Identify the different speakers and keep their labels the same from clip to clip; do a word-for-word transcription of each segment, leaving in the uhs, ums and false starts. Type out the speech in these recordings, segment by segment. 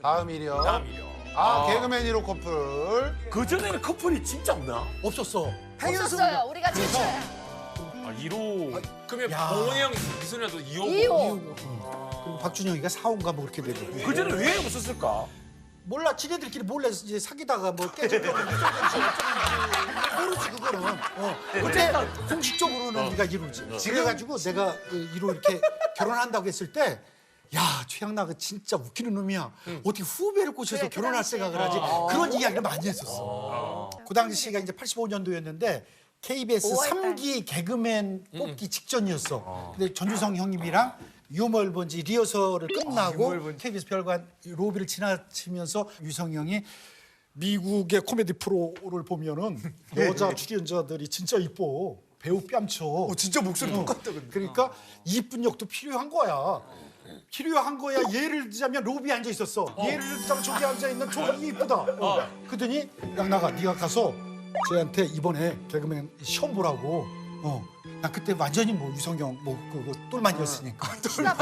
Speaker 1: 다음 일이요.
Speaker 2: 다음 일이요.
Speaker 1: 아, 개그맨 일 호 커플.
Speaker 2: 그 전에는 커플이 진짜 없나?
Speaker 3: 없었어.
Speaker 4: 없었어요. 우리가 최초야.
Speaker 2: 아, 일 호. 그러면
Speaker 3: 야.
Speaker 2: 봉원이 형, 미소녀도 이 호.
Speaker 4: 이 호.
Speaker 3: 그리고 박준영이가 사 호인가 뭐 그렇게 되고.
Speaker 2: 그 전에 왜 없었을까?
Speaker 3: 몰라, 지네들끼리 몰래 이제 사귀다가 뭐 깨지고 모르지 그거는. 어. 근데 공식적으로는 네가 이루지. 그래가지고 내가 일 호 이렇게 결혼한다고 했을 때. 야, 최양락은 진짜 웃기는 놈이야. 어떻게 후배를 꼬셔서
Speaker 4: 그래, 그
Speaker 3: 결혼할
Speaker 4: 당시에.
Speaker 3: 생각을 하지? 그런 이야기를 많이 했었어. 그 당시가 이제 팔십오 년도였는데 케이비에스
Speaker 4: 오월달.
Speaker 3: 삼 기 개그맨 뽑기 직전이었어. 근데 전주성 형님이랑 유머 번지 리허설을 끝나고 케이비에스 별관 로비를 지나치면서 유성이 형이 미국의 코미디 프로를 보면은 여자 출연자들이 진짜 이뻐. 배우 뺨쳐.
Speaker 5: 진짜 목소리 똑같다 근데.
Speaker 3: 그러니까 이쁜 역도 필요한 거야. 필요한 거야. 예를 들자면 로비에 앉아 있었어. 예를 들자면 저기 앉아 있는 저기 이쁘다. 어. 그러더니 양나가 네가 가서 쟤한테 이번에 개그맨 시험 보라고. 어. 나 그때 완전히 뭐 유성경 뭐 그거 똘만이었으니까.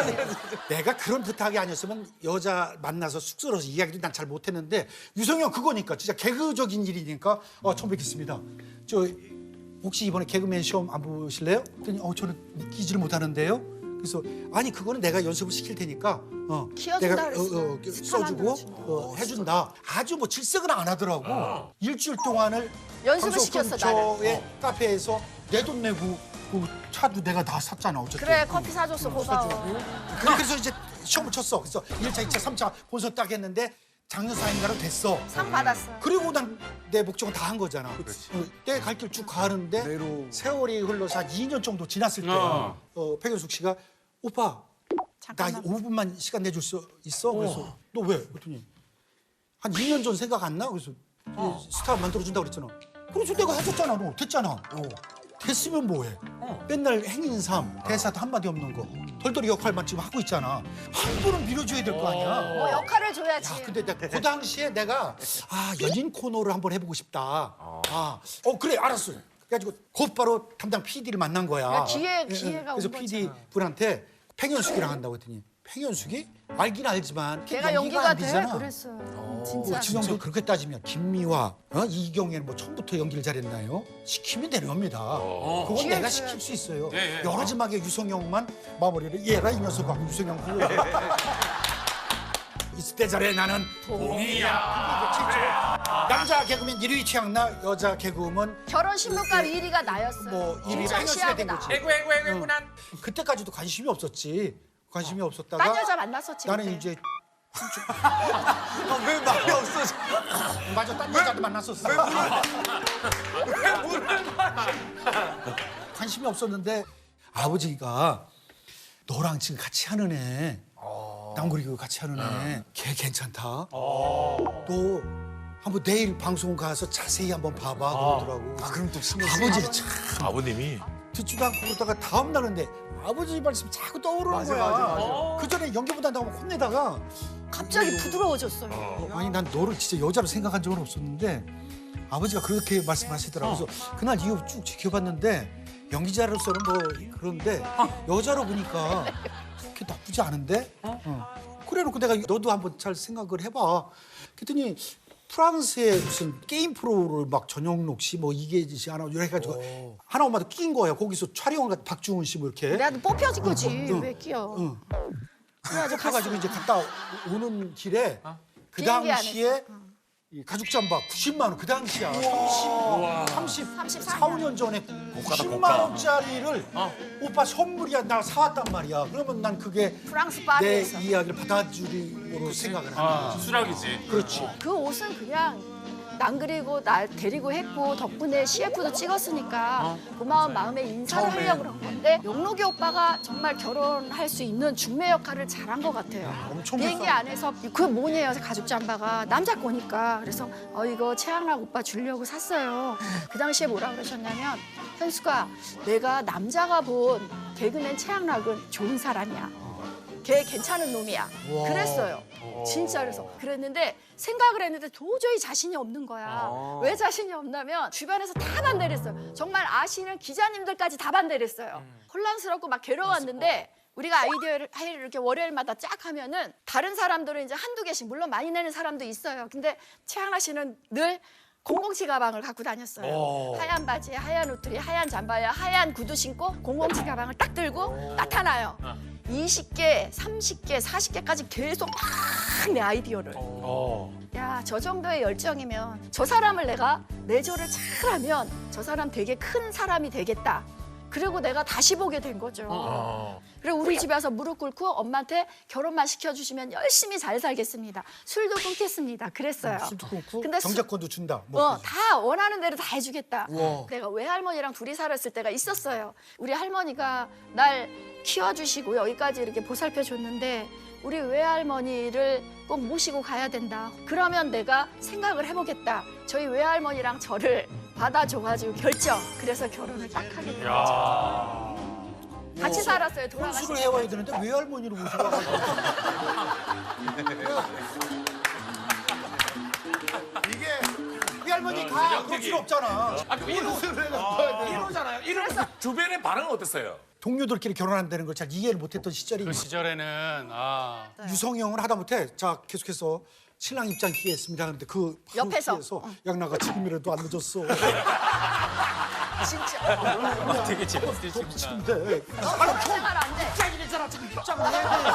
Speaker 3: 내가 그런 부탁이 아니었으면 여자 만나서 쑥스러워서 이야기도 난 잘 못했는데 유성경 그거니까 진짜 개그적인 일이니까 어, 처음 뵙겠습니다. 저 혹시 이번에 개그맨 시험 안 보실래요? 그랬더니 어 저는 웃기지를 못하는데요. 그래서 아니 그거는 내가 연습을 시킬 테니까 어
Speaker 4: 키워준다
Speaker 3: 내가
Speaker 4: 그랬어.
Speaker 3: 어, 어, 써주고
Speaker 4: 만들어주는
Speaker 3: 어, 해준다. 아주 뭐 질색은 안 하더라고. 일주일 동안을
Speaker 4: 연습을
Speaker 3: 방송
Speaker 4: 시켰어,
Speaker 3: 근처의 카페에서 내 돈 내고 그 차도 내가 다 샀잖아 어쨌든.
Speaker 4: 그래, 커피 사줬어. 고마워.
Speaker 3: 그래, 그래서 이제 시험을 쳤어. 그래서 일 차, 이 차, 삼 차 본선 딱 했는데 작년사인가로 됐어.
Speaker 4: 상 받았어.
Speaker 3: 그리고 난 내 목적은 다 한 거잖아. 어, 내 갈 길 쭉 가는데
Speaker 5: 내로.
Speaker 3: 세월이 흘러서 한 이 년 정도 지났을 때
Speaker 2: 어.
Speaker 3: 어, 백현숙 씨가 오빠 나
Speaker 4: 잠깐만.
Speaker 3: 오 분만 시간 내줄 수 있어? 그래서 너 왜? 그랬더니 한 이 년 전 생각 안 나? 그래서 이 스타 만들어준다고 그랬잖아. 그래서 내가 해줬잖아. 너 됐잖아. 어. 됐으면 뭐해? 맨날 행인삼 대사도 한마디 없는 거 덜덜이 역할만 지금 하고 있잖아. 한 분은 밀어줘야 될 거 아니야.
Speaker 4: 뭐 역할을 줘야지.
Speaker 3: 야, 근데 내가 그 당시에 내가 아 연인 코너를 한번 해보고 싶다. 아, 어 그래 알았어. 그래가지고 곧바로 담당 피디를 만난 거야.
Speaker 4: 야, 기회-
Speaker 3: 예, 예.
Speaker 4: 기회가
Speaker 3: 그래서
Speaker 4: 온
Speaker 3: 피디 분한테 팽현숙이랑 한다고 했더니 팽현숙이 알긴 알지만
Speaker 4: 걔가
Speaker 3: 연기가
Speaker 4: 연기가
Speaker 3: 안
Speaker 4: 돼?
Speaker 3: 되잖아.
Speaker 4: 그랬어.
Speaker 3: 어,
Speaker 4: 진짜.
Speaker 3: 지명도 그렇게 따지면 김미화, 어? 이경애는 뭐 처음부터 연기를 잘했나요? 시키면 되는 겁니다. 그건
Speaker 4: 기회를
Speaker 3: 내가
Speaker 4: 줘야지.
Speaker 3: 시킬 수 있어요.
Speaker 2: 예, 예.
Speaker 3: 여러지막에 유성형만 마무리를 얘라 이 녀석하고 유성형 그거. 있을 때 잘해 나는
Speaker 2: 봉이야.
Speaker 3: 남자 개그맨 일 위 최양나, 여자 개그우먼
Speaker 4: 결혼 신문가 일 위가 나였어.
Speaker 3: 뭐 일 위
Speaker 4: 진짜
Speaker 3: 팽현숙이 된
Speaker 4: 시합이다.
Speaker 3: 거지.
Speaker 2: 에구, 에구, 에구, 에구, 난.
Speaker 3: 그때까지도 관심이 없었지. 관심이 없었다가
Speaker 4: 딴 여자 만났었지.
Speaker 3: 나는
Speaker 4: 그때.
Speaker 3: 이제
Speaker 5: 아, 왜 말이 없어져?
Speaker 3: 맞아 딴 여자도 만났었어.
Speaker 2: 왜 물을 마셔?
Speaker 3: 관심이 없었는데 아버지가 너랑 지금 같이 하는 애 남구리교 같이 하는 애 걔 괜찮다. 너 한번 내일 방송 가서 자세히 한번 봐봐 그러더라고.
Speaker 5: 아, 그럼 또 신경 쓰
Speaker 3: 아버지를 참
Speaker 2: 아버님이.
Speaker 3: 듣지도 않고 그러다가 다음 날인데 아버지 말씀 자꾸 떠오르는
Speaker 5: 맞아,
Speaker 3: 거야.
Speaker 5: 맞아, 맞아.
Speaker 3: 그 전에 연기보다 나고 혼내다가
Speaker 4: 갑자기 부드러워졌어요.
Speaker 3: 아니 난 너를 진짜 여자로 생각한 적은 없었는데 아버지가 그렇게 말씀하시더라고. 그래서 그날 이후 쭉 지켜봤는데 연기자로서는 뭐 그런데 여자로 보니까 그렇게 나쁘지 않은데. 어. 그래놓고 내가 너도 한번 잘 생각을 해봐. 그랬더니 프랑스의 무슨 게임 프로를 막 전영록 씨 뭐 이계지 씨 하나 이렇게 해가지고 하나 엄마도 낀 거야. 거기서 촬영을 가- 박중훈 씨 뭐 이렇게.
Speaker 4: 내가 뽑혀진 거지.
Speaker 3: 응, 응.
Speaker 4: 왜 끼어?
Speaker 3: 응.
Speaker 4: 그래가지고
Speaker 3: 가가지고 이제 갔다 오는 길에 그
Speaker 4: 비행기
Speaker 3: 당시에 이 가죽 잠바 구십만 원 그 당시야. 삼십, 삼십, 사, 오 년 전에 구십만 원짜리를 오빠 선물이야 나 사왔단 말이야. 그러면 난 그게
Speaker 4: 프랑스
Speaker 3: 내
Speaker 4: 파리에서.
Speaker 3: 이야기를 받아주리로 생각을 하는
Speaker 2: 아,
Speaker 3: 거지.
Speaker 2: 수락이지.
Speaker 3: 그렇지.
Speaker 4: 그 옷은 그냥 난 그리고 날 데리고 했고 덕분에 씨에프도 찍었으니까 고마운 마음에 인사를
Speaker 5: 처음에.
Speaker 4: 하려고 그런 건데 용록이 오빠가 정말 결혼할 수 있는 중매 역할을 잘한 것 같아요.
Speaker 3: 엄청
Speaker 4: 비행기
Speaker 3: 비싸.
Speaker 4: 안에서 그 뭐냐요 가죽 잠바가 남자 거니까 그래서 어 이거 최양락 오빠 주려고 샀어요. 그 당시에 뭐라 그러셨냐면 현수가 내가 남자가 본 개그맨 최양락은 좋은 사람이야. 걔 괜찮은 놈이야.
Speaker 3: 와.
Speaker 4: 그랬어요. 진짜 그래서 그랬는데 생각을 했는데 도저히 자신이 없는 거야. 왜 자신이 없냐면 주변에서 다 반대를 했어요. 정말 아시는 기자님들까지 다 반대를 했어요. 혼란스럽고 막 괴로웠는데 우리가 아이디어를 회의를 이렇게 월요일마다 쫙 하면은 다른 사람들은 이제 한두 개씩 물론 많이 내는 사람도 있어요. 근데 최양락 씨는 늘 공공치 가방을 갖고 다녔어요.
Speaker 2: 오.
Speaker 4: 하얀 바지에 하얀 옷들이 하얀 잠바에 하얀 구두 신고 공공치 가방을 딱 들고 나타나요. 이십 개, 삼십 개, 사십 개까지 계속 막 내 아이디어를.
Speaker 2: 어.
Speaker 4: 야, 저 정도의 열정이면 저 사람을 내가 내조를 잘하면 저 사람 되게 큰 사람이 되겠다. 그리고 내가 다시 보게 된 거죠.
Speaker 2: 어.
Speaker 4: 그리고 우리 집에 와서 무릎 꿇고 엄마한테 결혼만 시켜주시면 열심히 잘 살겠습니다. 술도 끊겠습니다. 그랬어요.
Speaker 3: 술도 끊고
Speaker 4: 근데 수-
Speaker 3: 정자권도 준다. 뭐
Speaker 4: 어, 다 원하는 대로 다 해주겠다.
Speaker 5: 우와.
Speaker 4: 내가 외할머니랑 둘이 살았을 때가 있었어요. 우리 할머니가 날 키워주시고 여기까지 이렇게 보살펴줬는데 우리 외할머니를 꼭 모시고 가야 된다. 그러면 내가 생각을 해보겠다. 저희 외할머니랑 저를 받아줘가지고 결정. 그래서 결혼을 딱 하게 된 거죠.
Speaker 2: 야.
Speaker 4: 같이 살았어요. 돌아가신
Speaker 3: 혼수를 해와야 되는데 외할머니를 모시고 와가지고.
Speaker 1: 이게
Speaker 3: 외할머니
Speaker 2: 어,
Speaker 3: 가. 그럴
Speaker 2: 전형적인.
Speaker 3: 필요 없잖아.
Speaker 2: 아, 그 일호, 아, 일호잖아요. 일호 주변의 반응은 어땠어요?
Speaker 3: 동료들끼리 결혼한다는 걸 잘 이해를 못했던 시절이
Speaker 6: 그 시절에는 아
Speaker 3: 유성형을 하다못해 자 계속해서 신랑 입장 기회했습니다 하는데 그 바로
Speaker 4: 옆에서.
Speaker 3: 뒤에서 양나가 지금이라도 안 늦었어.
Speaker 4: 진짜.
Speaker 2: 되게 재밌으시구나.
Speaker 3: 지금인데
Speaker 4: 너 생활 안 돼.
Speaker 3: 입장이랬잖아 지금 입장을 해야 돼.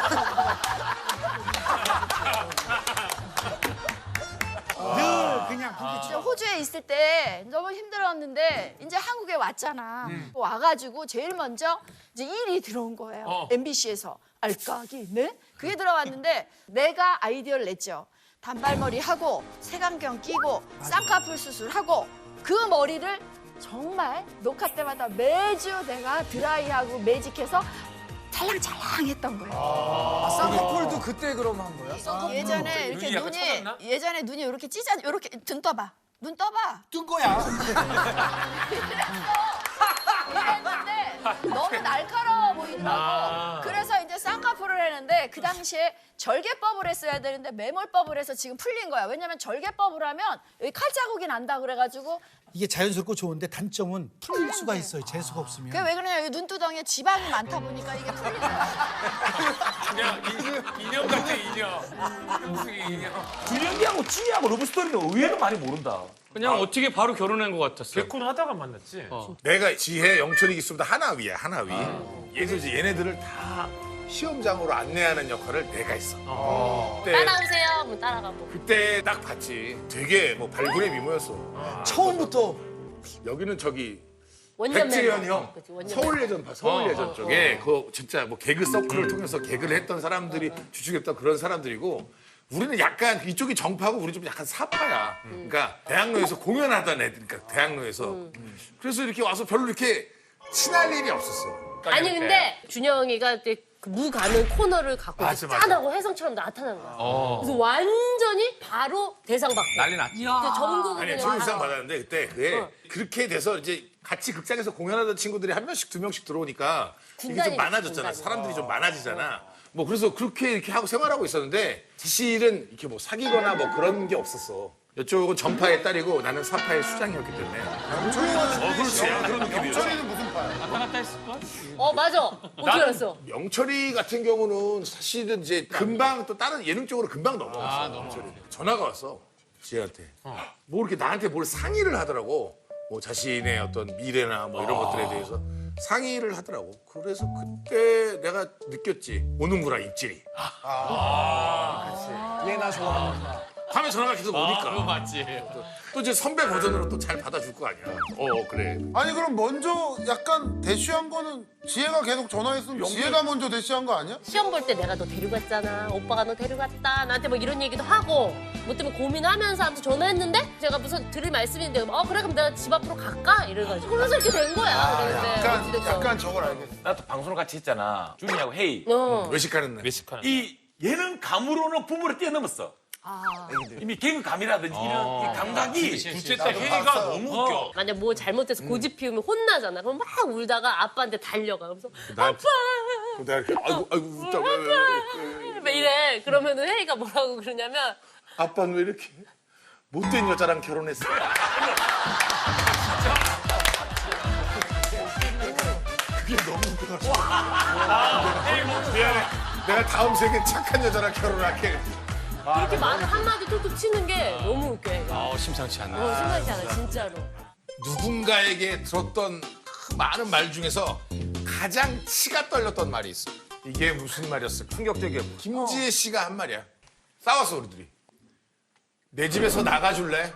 Speaker 3: 늘 그냥 그게
Speaker 4: 진짜 호주에 있을 때 너무 힘들었는데 이제 한국에 왔잖아. 와가지고 제일 먼저 이제 일이 들어온 거예요.
Speaker 2: 어.
Speaker 4: 엠비씨에서 알까기네? 그게 들어왔는데 내가 아이디어를 냈죠. 단발머리 하고 색안경 끼고 쌍꺼풀 수술하고 그 머리를 정말 녹화 때마다 매주 내가 드라이하고 매직해서 찰랑찰랑했던 거예요.
Speaker 5: 아, 쌍꺼풀도 그때 그럼 한 거야?
Speaker 4: 예전에 이렇게
Speaker 2: 눈이 약간
Speaker 4: 눈이
Speaker 2: 쳐졌나?
Speaker 4: 예전에 눈이 이렇게 찢어 이렇게 눈 떠봐. 눈 떠봐.
Speaker 3: 뜬 거야.
Speaker 4: 이랬는데 너무 날카로워 보이더라고.
Speaker 2: 아.
Speaker 4: 그래서 이제 쌍꺼풀을 했는데 그 당시에 절개법을 했어야 되는데 매몰법을 해서 지금 풀린 거야. 왜냐면 절개법을 하면 여기 칼자국이 난다 그래가지고
Speaker 3: 이게 자연스럽고 좋은데 단점은 풀릴 수가 있어요. 재수가 없으면.
Speaker 4: 그게 왜 그러냐 여기 눈두덩이에 지방이 많다 보니까 이게 풀린 거야.
Speaker 2: 그냥 인- 인형 같아, 인형. 형수이 인형. 준영이하고 찌하고 러브스토리는 의외로 많이 모른다.
Speaker 6: 그냥 어떻게 바로 결혼한 것 같았어요.
Speaker 2: 개콘 하다가 만났지.
Speaker 7: 내가 지혜, 영철이 있으면 하나위야, 하나위. 그래서 이제 얘네들을 다 시험장으로 안내하는 역할을 내가 했어. 그때,
Speaker 8: 따라오세요. 뭐 따라가고.
Speaker 7: 그때 딱 봤지. 되게 뭐 발굴의 미모였어.
Speaker 5: 처음부터
Speaker 7: 여기는 저기
Speaker 8: 원년
Speaker 7: 백재현
Speaker 8: 멤버.
Speaker 7: 형,
Speaker 8: 그치, 원년
Speaker 7: 서울예전 봐, 서울예전 쪽에 그 진짜 뭐 개그 서클을 통해서 개그를 했던 사람들이 주축했던 그런 사람들이고 우리는 약간 이쪽이 정파고 우리 좀 약간 사파야. 그러니까 대학로에서 공연하던 애들, 그러니까 대학로에서. 그래서 이렇게 와서 별로 이렇게 친할 일이 없었어.
Speaker 8: 아니 근데 준영이가 그때 그 무 가는 코너를 갖고
Speaker 2: 맞아, 맞아.
Speaker 8: 짠하고 혜성처럼 나타난 거야. 그래서 완전히 바로 대상 받고.
Speaker 6: 난리 났지.
Speaker 8: 그때 전국을
Speaker 7: 아니,
Speaker 8: 그냥
Speaker 7: 조인상
Speaker 8: 다-
Speaker 7: 받았는데 그때 그게
Speaker 8: 어.
Speaker 7: 그렇게 돼서 이제 같이 극장에서 공연하던 친구들이 한 명씩 두 명씩 들어오니까 이게
Speaker 8: 군단이
Speaker 7: 좀 많아졌잖아.
Speaker 8: 군단이.
Speaker 7: 사람들이 좀 많아지잖아. 뭐 그래서 그렇게 이렇게 하고 생활하고 있었는데 사실은 이렇게 뭐 사귀거나 뭐 그런 게 없었어. 이쪽은 전파의 딸이고 나는 사파의 수장이었기 때문에. 어, 그렇지. 그런 느낌이었어.
Speaker 1: 영철이는 무슨 파야?
Speaker 6: 왔다 갔다 했을걸?
Speaker 8: 어 맞아. 어떻게 알았어?
Speaker 7: 영철이 같은 경우는 사실은 이제 금방 또 다른 예능적으로 금방 넘어갔어. 영철이. 전화가 왔어. 지혜한테. 뭐 이렇게 나한테 뭘 상의를 하더라고. 뭐 자신의 어떤 미래나 뭐 이런 것들에 대해서 상의를 하더라고. 그래서 그때 내가 느꼈지. 오는구나, 입질이.
Speaker 5: 얘나 좋아하는구나.
Speaker 7: 밤에 전화가 계속 오니까.
Speaker 6: 그거 맞지.
Speaker 7: 또 이제 선배 버전으로 또 잘 받아줄 거 아니야. 어, 그래.
Speaker 1: 아니 그럼 먼저 약간 대쉬한 거는 지혜가 계속 전화했으면 지혜가 먼저 대쉬한 거 아니야?
Speaker 8: 시험 볼 때 내가 너 데려갔잖아. 오빠가 너 데려갔다. 나한테 뭐 이런 얘기도 하고 뭐 때문에 고민하면서 아무튼 전화했는데 제가 무슨 들을 말씀인데 어 그래 그럼 내가 집 앞으로 갈까? 이래가지고 그래서 이렇게 된 거야. 그랬는데
Speaker 1: 약간
Speaker 8: 어찌됐건.
Speaker 1: 약간 저걸 알겠어.
Speaker 2: 나도 방송을 같이 했잖아. 준이하고 회의.
Speaker 8: 어.
Speaker 7: 외식하는 날.
Speaker 2: 외식하는.
Speaker 9: 이 예능 감으로는 부모를 뛰어넘었어. 이미 개그 감이라든지 이런 이 감각이
Speaker 2: 둘째 딸 회의가 너무 웃겨.
Speaker 8: 만약 뭐 잘못해서 고집 피우면 혼나잖아. 그럼 막 울다가 아빠한테 달려가. 그래서
Speaker 7: 나한테-
Speaker 8: 아빠
Speaker 7: 내가 이렇게 아이고 아이고 웃다 왜, 왜, 왜, 왜.
Speaker 8: 막 이래. 그러면은 혜이가 뭐라고 그러냐면
Speaker 7: 아빠는 왜 이렇게 못된 여자랑 결혼했어? 그게 너무 웃겨가지고. 미안해. 내가 다음 생에 착한 여자랑 결혼할게.
Speaker 8: 그렇게 말을 한마디 툭툭 치는 게 너무 웃겨, 얘가.
Speaker 6: 어, 심상치 않네.
Speaker 8: 어, 심하지 않아, 진짜로.
Speaker 7: 누군가에게 들었던 그 많은 말 중에서 가장 치가 떨렸던 말이 있어. 이게 무슨 말이었을까?
Speaker 2: 충격적이야.
Speaker 7: 김지혜 씨가 한 말이야. 싸웠어, 우리들이. 내 집에서 나가줄래?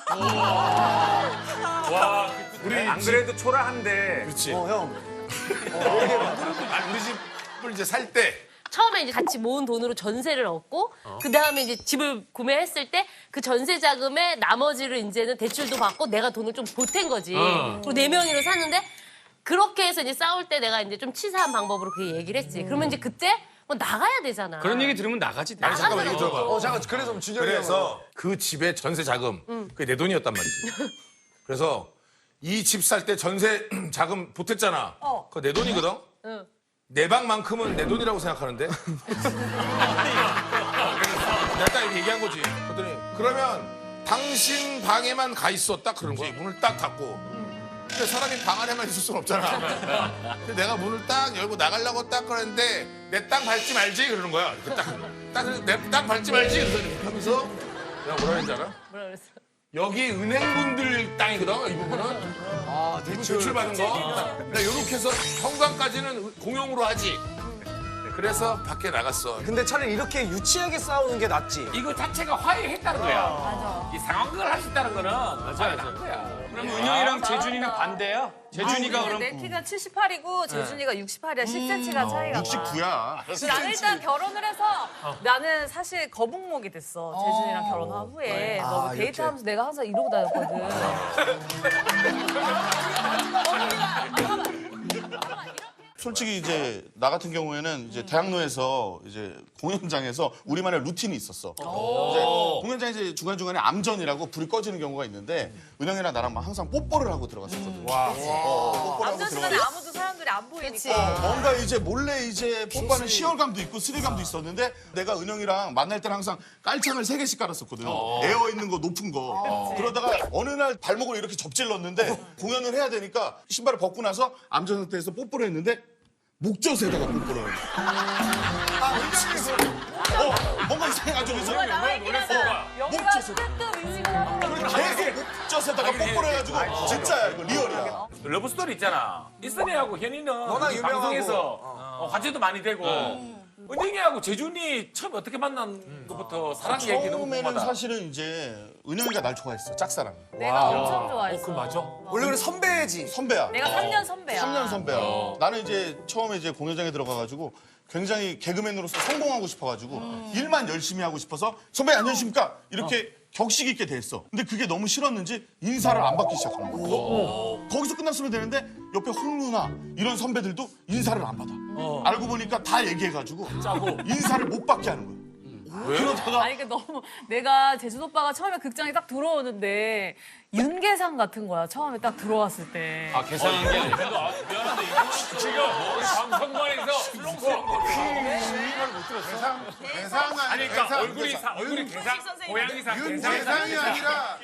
Speaker 2: 와,
Speaker 7: 우리
Speaker 2: 안
Speaker 7: 집-
Speaker 2: 그래도 초라한데.
Speaker 7: 그렇지.
Speaker 3: 어, 형.
Speaker 7: 아, 우리 집을 이제 살 때
Speaker 8: 처음에 이제 같이 모은 돈으로 전세를 얻고 그 다음에 이제 집을 구매했을 때 그 전세 자금에 나머지를 이제는 대출도 받고 내가 돈을 좀 보탠 거지. 그리고 네 명이로 샀는데 그렇게 해서 이제 싸울 때 내가 이제 좀 치사한 방법으로 그 얘기를 했지. 그러면 이제 그때 뭐 나가야 되잖아.
Speaker 6: 그런 얘기 들으면 나가지.
Speaker 7: 아니 잠깐만 얘기 들어봐.
Speaker 5: 어 잠깐 그래서 준혁이
Speaker 7: 그래서 그 집의 전세 자금 그게 내 돈이었단 말이지. 그래서 이 집 살 때 전세 자금 보탰잖아.
Speaker 8: 어.
Speaker 7: 그거 내 돈이거든.
Speaker 8: 응.
Speaker 7: 내 방만큼은 내 돈이라고 생각하는데. 내가 딱 이렇게 얘기한 거지. 그랬더니 그러면 당신 방에만 가 있어 딱 그런 거야. 문을 딱 닫고. 근데 사람이 방 안에만 있을 순 없잖아. 근데 내가 문을 딱 열고 나가려고 딱 그랬는데 내 땅 밟지 말지 그러는 거야. 이렇게 딱, 딱, 내 땅 밟지 말지 그러더니 하면서 내가 뭐라 했는지 알아?
Speaker 8: 뭐라 그랬어?
Speaker 7: 여기 은행분들 땅이거든, 이 부분은.
Speaker 5: 아 대출.
Speaker 7: 대출 받은 거. 그러니까 이렇게 해서 현관까지는 공용으로 하지. 그래서 밖에 나갔어.
Speaker 5: 근데 차라리 이렇게 유치하게 싸우는 게 낫지.
Speaker 9: 이거 자체가 화해했다는 거야. 이 상황극을 할 수 있다는 거는 맞아, 맞아. 거야.
Speaker 6: 그럼 은영이랑 재준이는 반대야? 재준이가 그럼
Speaker 10: 내 키가 칠십팔이고 재준이가 육십팔이야. 십 센티미터가 차이가 나.
Speaker 1: 육십구야.
Speaker 10: 나는 일단 결혼을 해서 나는 사실 거북목이 됐어. 재준이랑 결혼한 후에 너무 데이트하면서 내가 항상 이러고 다녔거든.
Speaker 11: 솔직히 이제 나 같은 경우에는 이제 대학로에서 이제 공연장에서 우리만의 루틴이 있었어. 이제 공연장에서 이제 중간중간에 암전이라고 불이 꺼지는 경우가 있는데 은영이랑 나랑 막 항상 뽀뽀를 하고 들어갔었거든. 와. 어, 뽀뽀를 하고
Speaker 10: 남자 시간에
Speaker 11: 들어갔는데
Speaker 10: 아무도 사람들이 안 보이니까.
Speaker 11: 뭔가 이제 몰래 이제 뽀뽀하는 시열감도 있고 스릴감도 있었는데 내가 은영이랑 만날 때는 항상 깔창을 세 개씩 깔았었거든. 에어 있는 거 높은 거. 그러다가 어느 날 발목을 이렇게 접질렀는데 공연을 해야 되니까 신발을 벗고 나서 암전 상태에서 뽀뽀를 했는데 목젖에다가 뽀뽀를 해. 아, 어, 뭔가 이상해가지고 그래서
Speaker 10: 나와 있긴 하다. 여기가
Speaker 11: 목젖에
Speaker 10: 뜨뜻 인식을 하고.
Speaker 11: 계속 목젖에다가 뽀뽀를 해가지고 진짜야 이거 리얼이야.
Speaker 9: 러브 스토리 있잖아. 이선희하고 현이는
Speaker 5: 워낙
Speaker 9: 이
Speaker 5: 유명하고.
Speaker 9: 방송에서 어, 화제도 많이 되고 은영이하고 재준이 처음 어떻게 만난 것부터 사랑 얘기 너무
Speaker 11: 처음에는
Speaker 9: 궁금하다.
Speaker 11: 사실은 이제 은영이가 날 좋아했어 짝사랑.
Speaker 10: 내가 엄청 좋아했어.
Speaker 9: 그 맞아.
Speaker 5: 원래 그래 선배지.
Speaker 11: 선배야.
Speaker 10: 내가 삼 년 선배야.
Speaker 11: 삼 년 선배야. 나는 이제 처음에 이제 공연장에 들어가가지고 굉장히 개그맨으로서 성공하고 싶어가지고 일만 열심히 하고 싶어서 선배 안녕하십니까 이렇게 격식 있게 됐어. 근데 그게 너무 싫었는지 인사를 안 받기 시작하는 거야. 거기서 끝났으면 되는데 옆에 홍 누나 이런 선배들도 인사를 안 받아. 알고 보니까 다 얘기해가지고 인사를 못 받게 하는 거야. 그러다가
Speaker 10: 아니 그 너무 내가 재준 오빠가 처음에 극장에 딱 들어오는데 윤계상 같은 거야. 처음에 딱 들어왔을 때.
Speaker 6: 아, 계산한 게 아니라.
Speaker 9: 미안한데 이거 지금 방송관에서 슬렁슬렁
Speaker 1: 대상, 대상
Speaker 9: 아니
Speaker 1: 아니
Speaker 9: 그러니까
Speaker 1: 대상.
Speaker 9: 얼굴이 사, 얼굴이 계산 고양이상
Speaker 1: 윤대상이 아니라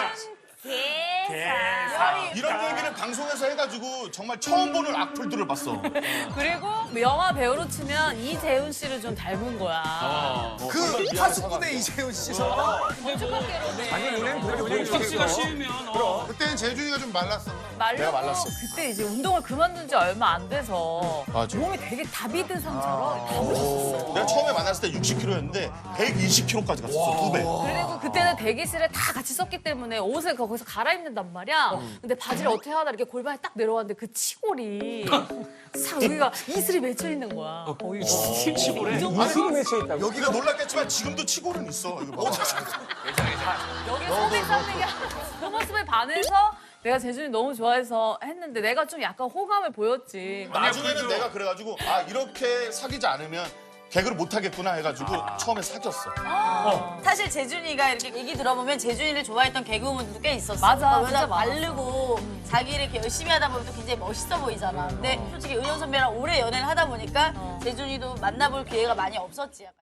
Speaker 10: 계상.
Speaker 11: 이런 얘기를 방송에서 해가지고 정말 처음 보는 악플들을 봤어.
Speaker 10: 그리고 영화 배우로 치면 이재훈 씨를 좀 닮은 거야.
Speaker 5: 그 파수꾼의 이재훈 씨서.
Speaker 6: 섹시가 싫으면 어.
Speaker 1: 그때는 재준이가 좀 말랐어.
Speaker 10: 말랐어. 말랐어. 그때 이제 운동을 그만둔 지 얼마 안 돼서
Speaker 11: 맞아.
Speaker 10: 몸이 되게 다비드 상처럼 다 부셨었어.
Speaker 11: 내가 처음에 만났을 때 육십 킬로였는데 백이십 킬로까지 갔었어, 두 배.
Speaker 10: 그리고 그때는 대기실에 다 같이 썼기 때문에 옷을 거기서 갈아입는단 말이야. 근데 바지를 어떻게 하다 이렇게 골반에 딱 내려왔는데 그 치골이 싹 여기가 이슬이 맺혀 있는 거야. 거기가. 치골에?
Speaker 11: 여기가 놀랐겠지만 지금도 치골은 있어. 이거 봐.
Speaker 10: 여기 소비 쌓는 게 그 모습에 반해서 내가 재준이 너무 좋아해서 했는데 내가 좀 약간 호감을 보였지.
Speaker 11: 나중에는 내가 그래가지고 아 이렇게 사귀지 않으면 개그를 못 하겠구나 해가지고 처음에 사귀었어.
Speaker 12: 사실 재준이가 이렇게 얘기 들어보면 재준이를 좋아했던 개그우먼들도 꽤 있었어.
Speaker 10: 맞아,
Speaker 12: 왜냐면
Speaker 10: 진짜 많았어.
Speaker 12: 바르고 자기를 이렇게 열심히 하다 보면 또 굉장히 멋있어 보이잖아. 근데 솔직히 은영 선배랑 오래 연애를 하다 보니까 재준이도 만나볼 기회가 많이 없었지. 약간.